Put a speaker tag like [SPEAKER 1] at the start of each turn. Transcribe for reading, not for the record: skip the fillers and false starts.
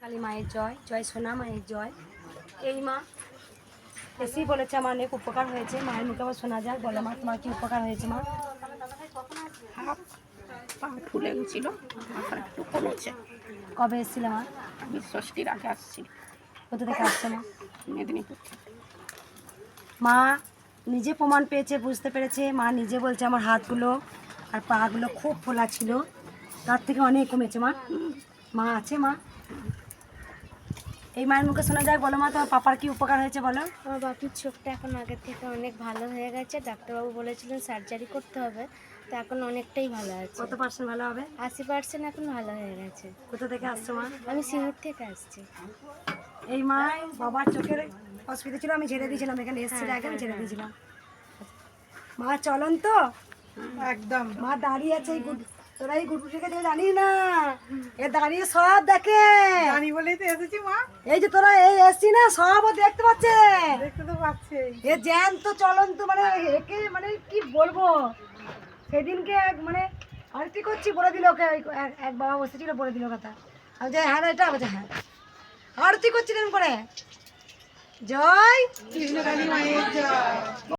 [SPEAKER 1] কালী মায়ের জয়, জয় সোনা মায়ের জয়। এই মা এসেই বলেছে আমার অনেক উপকার হয়েছে। মায়ের মুখে আবার শোনা যায়, বলো মা তোমার কি উপকার হয়েছে মা?
[SPEAKER 2] হাত পা ফুলে গেছিল, এখন একটু কমেছে।
[SPEAKER 1] কবে এসেছিলে মা?
[SPEAKER 2] আমি ষষ্ঠীর আগে আসছি
[SPEAKER 1] কোথা থেকে আসছে মা?
[SPEAKER 2] মেদিনীপুর।
[SPEAKER 1] মা নিজে প্রমাণ পেয়েছে, বুঝতে পেরেছে। মা নিজে বলছে আমার হাতগুলো আর পাগুলো খুব ফোলা ছিল, তার থেকে অনেক কমেছে মা। মা আছে মা? এই মায়ের মুখে শোনা যায়, বলো মা তোমার পাপার কি উপকার হয়েছে বলো?
[SPEAKER 3] আমার বাপির চোখটা এখন আগের থেকে অনেক ভালো হয়ে গেছে। ডাক্তারবাবু বলেছিলেন সার্জারি করতে হবে, তো এখন অনেকটাই ভালো আছে।
[SPEAKER 1] কত পার্সেন্ট ভালো হবে?
[SPEAKER 3] 80% এখন ভালো হয়ে গেছে।
[SPEAKER 1] কোথা থেকে আসছো মা?
[SPEAKER 3] আমি সিঙ্গুর থেকে আসছি।
[SPEAKER 1] এই মা বাবার চোখের অসুবিধা ছিল, আমি ছেড়ে দিয়েছিলাম, এখানে এসেছিল আগে আমি ছেড়ে দিয়েছিলাম। মা চলন তো
[SPEAKER 2] একদম
[SPEAKER 1] মা দাঁড়িয়ে আছে। এই তোরা এই গুটুটিকে দেখে জানি না, এ দাঁড়িয়ে সব দেখে।
[SPEAKER 2] আমি বলেই তো এসেছি মা,
[SPEAKER 1] এই যে তোরা এই এসছি না, সব ও দেখতে পাচ্ছে।
[SPEAKER 2] দেখতে তো পাচ্ছি।
[SPEAKER 1] এ জ্যান্ত চলন্ত, মানে একে মানে কি বলবো। সেদিনকে মানে আরতি করছি, বলে দিল ওকে, এক বাবা বসেছিল বলে দিল কথা। আমি যে হ্যাঁ এটা বলছে হ্যাঁ, আরতি করছি এরকম করে। জয়
[SPEAKER 2] কৃষ্ণকালী মায়ের জয়।